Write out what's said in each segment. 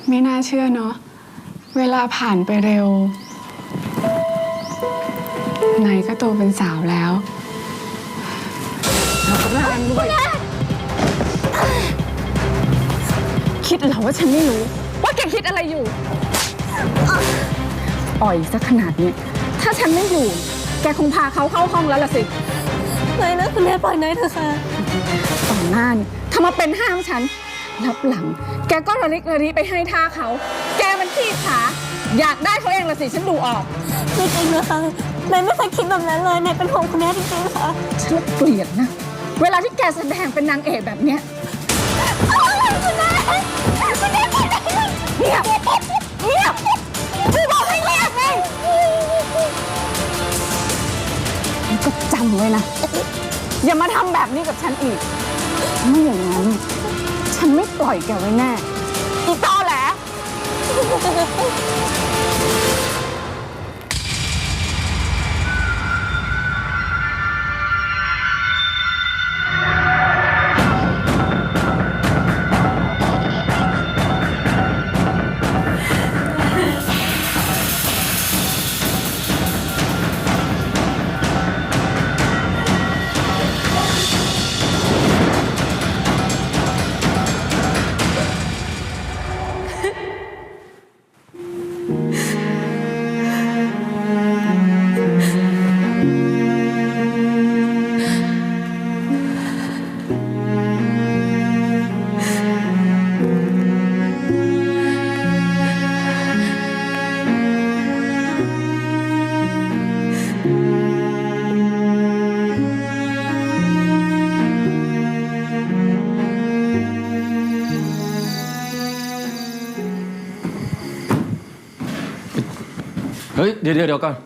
ไม่น่าเชื่อเนาะเวลาผ่านไปเร็วไหนก็โตเป็นสาวแล้วเราก็แรงด้วยคิดเหรอว่าฉันไม่รู้ว่าแกคิดอะไรอยู่อ่อยซะขนาดนี้ถ้าฉันไม่อยู่แกคงพาเขาเข้าห้องแล้วล่ะสิไม่นะคุณแม่ปล่อยนายเถอะค่ะต่อหน้านี่ทำมาเป็นห้ามฉันรับหลังแกก็ระลิกระลีไปให้ท่าเขาแกมันขี้ขาอยากได้เขาเองละสิฉันดูออกไม่จริงนะคะนายไม่เคยคิดแบบนั้นเลยนายเป็นห่วงคุณแม่จริงๆค่ะฉันเกลียดนะเวลาที่แกแสดงเป็นนางเอกแบบเนี้ยคุณแม่เงียบเงียบพี่บอกให้เงียบไงก็จำไว้นะอย่ามาทำแบบนี้กับฉันอีกไม่อย่างนั้นฉันไม่ปล่อยแกไว้แน่อีตอแหละเฮ้ยเดี๋ยวก่อน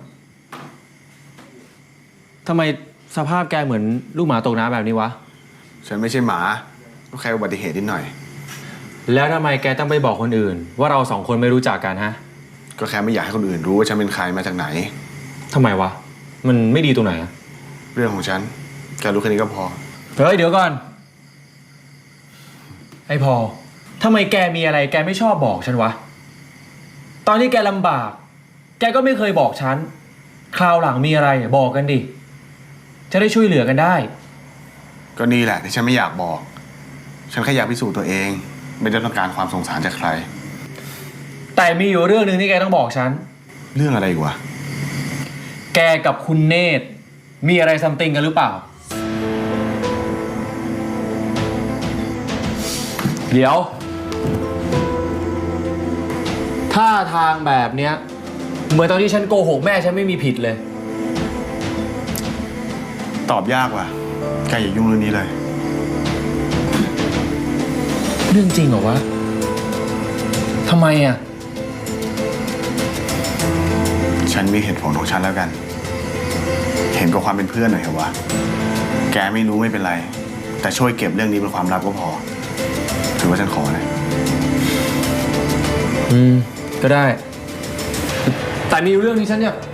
ทำไมสภาพแกเหมือนลูกหมาตกน้ำแบบนี้วะฉันไม่ใช่หมาก็แค่อุบัติเหตุนิดหน่อยแล้วทำไมแกต้องไปบอกคนอื่นว่าเราสองคนไม่รู้จักกันฮะก็แค่ไม่อยากให้คนอื่นรู้ว่าฉันเป็นใครมาจากไหนทำไมวะมันไม่ดีตรงไหนอะเรื่องของฉันแกรู้แค่นี้ก็พอเฮ้ยเดี๋ยวก่อนไอ้พอทำไมแกมีอะไรแกไม่ชอบบอกฉันวะตอนที่แกลำบากแกก็ไม่เคยบอกฉันคราวหลังมีอะไรบอกกันดิจะได้ช่วยเหลือกันได้ก็นี่แหละที่ฉันไม่อยากบอกฉันแค่อยากพิสูจน์ตัวเองไม่ได้ต้องการความสงสารจากใครแต่มีอยู่เรื่องหนึ่งที่แกต้องบอกฉันเรื่องอะไรอีกวะแกกับคุณเนตรมีอะไรซัมติงกันหรือเปล่าเดี๋ยวท่าทางแบบเนี้ยเหมือนตอนที่ฉันโกหกแม่ฉันไม่มีผิดเลยตอบยากว่ะแกอย่ายุ่งเรื่องนี้เลยเรื่องจริงเหรอวะทำไมอ่ะฉันมีเหตุผลของฉันแล้วกันเห็นกับความเป็นเพื่อนหน่อยเหรอวะแกไม่รู้ไม่เป็นไรแต่ช่วยเก็บเรื่องนี้เป็นความลับก็พอถือว่าฉันขอนะก็ได้แต่มีเรื่องที่ฉันอยาก